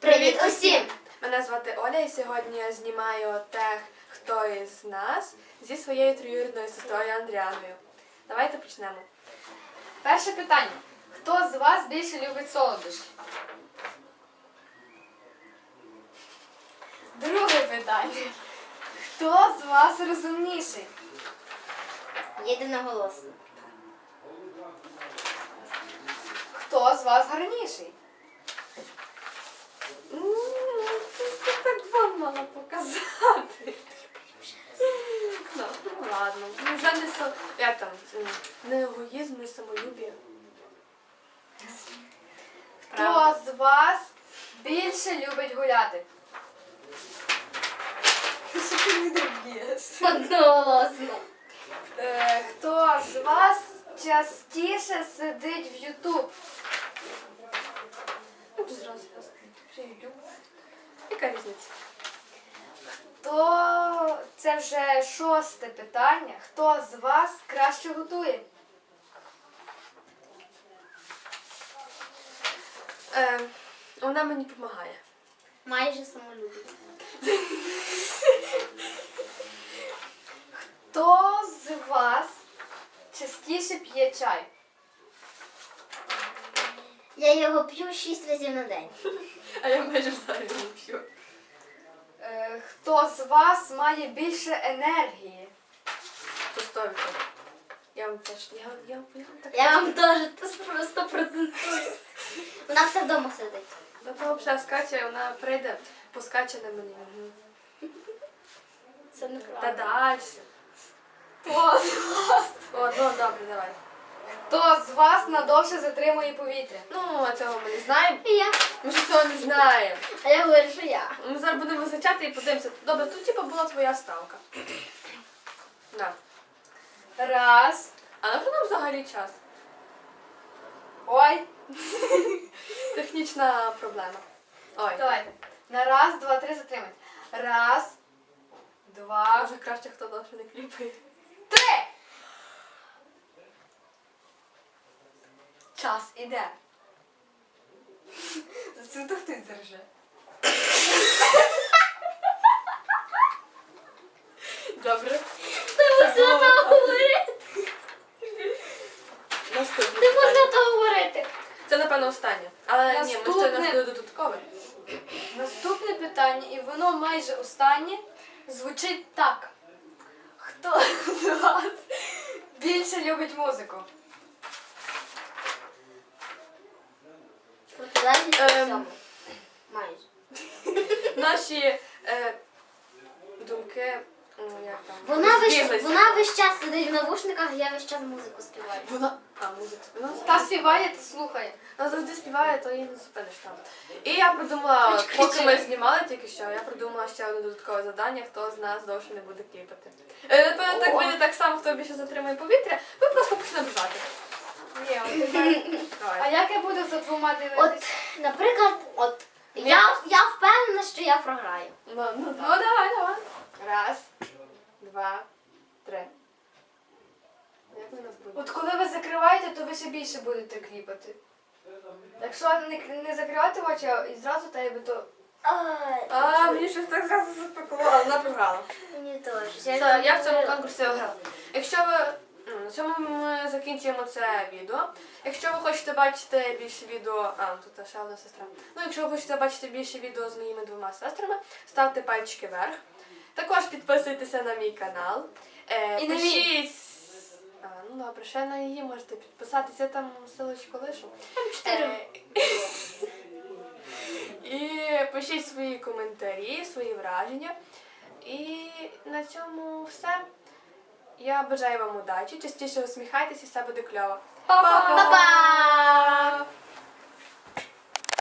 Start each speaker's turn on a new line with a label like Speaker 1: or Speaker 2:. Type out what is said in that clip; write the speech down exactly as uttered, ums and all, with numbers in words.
Speaker 1: Привіт усім!
Speaker 2: Мене звати Оля і сьогодні я знімаю тех, хто із нас зі своєю троюрідною сестрою Андріаною. Давайте почнемо.
Speaker 3: Перше питання. Хто з вас більше любить солодощі? Друге питання. Хто з вас розумніший?
Speaker 1: Єдиноголосно.
Speaker 3: Хто з вас гарніший?
Speaker 2: Ти так вам мала показати. Ну, ладно. Ну, вже не со... Як там? Не егоїзм, не самолюбія.
Speaker 3: Хто з вас більше любить гуляти? Що ти мене б'єш?
Speaker 1: Одноголосно.
Speaker 3: Е, Хто з вас частіше сидить в Ютуб?
Speaker 2: Ну, зразу раз. Вже йду. Яка різниця?
Speaker 3: То це вже шосте питання. Хто з вас краще готує?
Speaker 2: Е, вона мені допомагає.
Speaker 1: Майже самолюбі.
Speaker 3: Хто з вас частіше п'є чай?
Speaker 1: Я його п'ю шість разів на день.
Speaker 2: А я майже взагалі не п'ю.
Speaker 3: Е, Хто з вас має більше енергії?
Speaker 2: По сто відсотків. Я вам теж, я, я, я вам так...
Speaker 1: Я вам теж просто протестую. Вона все вдома сидить.
Speaker 2: Ну, то взагалі скаче, вона прийде, поскаче на мені. Угу.
Speaker 1: Це
Speaker 2: Та
Speaker 1: неправда.
Speaker 2: далі.
Speaker 3: Хто з вас?
Speaker 2: О, ну добре, давай.
Speaker 3: Хто з вас надовше затримує повітря?
Speaker 2: Ну, а цього ми не знаємо.
Speaker 1: І я.
Speaker 2: Ми ж цього не знаємо.
Speaker 1: А я говорю, що я.
Speaker 2: Ми зараз будемо визначати і подивимося. Добре, тут типу була твоя ставка. На.
Speaker 3: Раз.
Speaker 2: А на що нам взагалі час?
Speaker 3: Ой.
Speaker 2: Технічна проблема. Ой.
Speaker 3: Давайте. На раз, два, три затримати. Раз, два,
Speaker 2: Може краще, хто довше не кліпає.
Speaker 3: три. Час іде. За цю то хтось зарже.
Speaker 2: Добре.
Speaker 1: Ти можна того говорити.
Speaker 2: Наступне
Speaker 1: Ти можна
Speaker 2: питання.
Speaker 1: того говорити.
Speaker 2: Це, напевно, останнє. Але ні, ми ще
Speaker 3: Наступне.
Speaker 2: нас буде додаткове.
Speaker 3: Наступне питання, і воно майже останнє, звучить так. Хто з вас більше любить музику?
Speaker 1: Протилежність
Speaker 2: Ем.
Speaker 1: всьому. Майже.
Speaker 2: Наші е, думки, ну як там,
Speaker 1: Вона весь,
Speaker 2: збіглися.
Speaker 1: вона весь час сидить в навушниках, я весь час музику співаю.
Speaker 2: Вона... А, музика. Вона
Speaker 3: Та співає, та слухає.
Speaker 2: Вона завжди співає, то її не зупиниш там. І я придумала, от,
Speaker 1: Хоч
Speaker 2: поки
Speaker 1: кричи.
Speaker 2: ми знімали тільки що, я придумала ще одне додаткове завдання, хто з нас довше не буде кліпати. Е, Напевно, так
Speaker 3: О.
Speaker 2: буде так само, хто більше затримує повітря, ви просто почнемо бжати.
Speaker 3: Ні, от тепер. А
Speaker 2: Давай.
Speaker 3: як я буду за двома
Speaker 1: От,
Speaker 3: дивитися?
Speaker 1: наприклад, от я, я впевнена, що я програю.
Speaker 2: Ну, ну, ну давай, давай. Раз, два, три. Як ми нас буде?
Speaker 3: От коли ви закриваєте, то ви ще більше будете кліпати. Якщо не, не закривати очі а і зразу та якби то.
Speaker 1: Ай,
Speaker 2: А, мені щось так зразу запекло, але вона програла.
Speaker 1: мені теж.
Speaker 2: Все, я в цьому конкурсі виграла. Якщо ви ну, на цьому ми закінчуємо це відео. Якщо ви хочете бачити більше відео, а тут ще одна сестра. Ну, якщо ви хочете бачити більше відео з моїми двома сестрами, ставте пальчики вверх. Також підписуйтеся на мій канал. Е,
Speaker 3: І на мій.
Speaker 2: пишіть. А, ну добре, ще на її можете підписатися, я там ссылочку лишу.
Speaker 1: чотири.
Speaker 2: Е, І пишіть свої коментарі, свої враження. І на цьому все. Я бажаю вам удачі, частіше усміхайтеся і все буде кльово.
Speaker 3: Па-па!
Speaker 1: Па-па!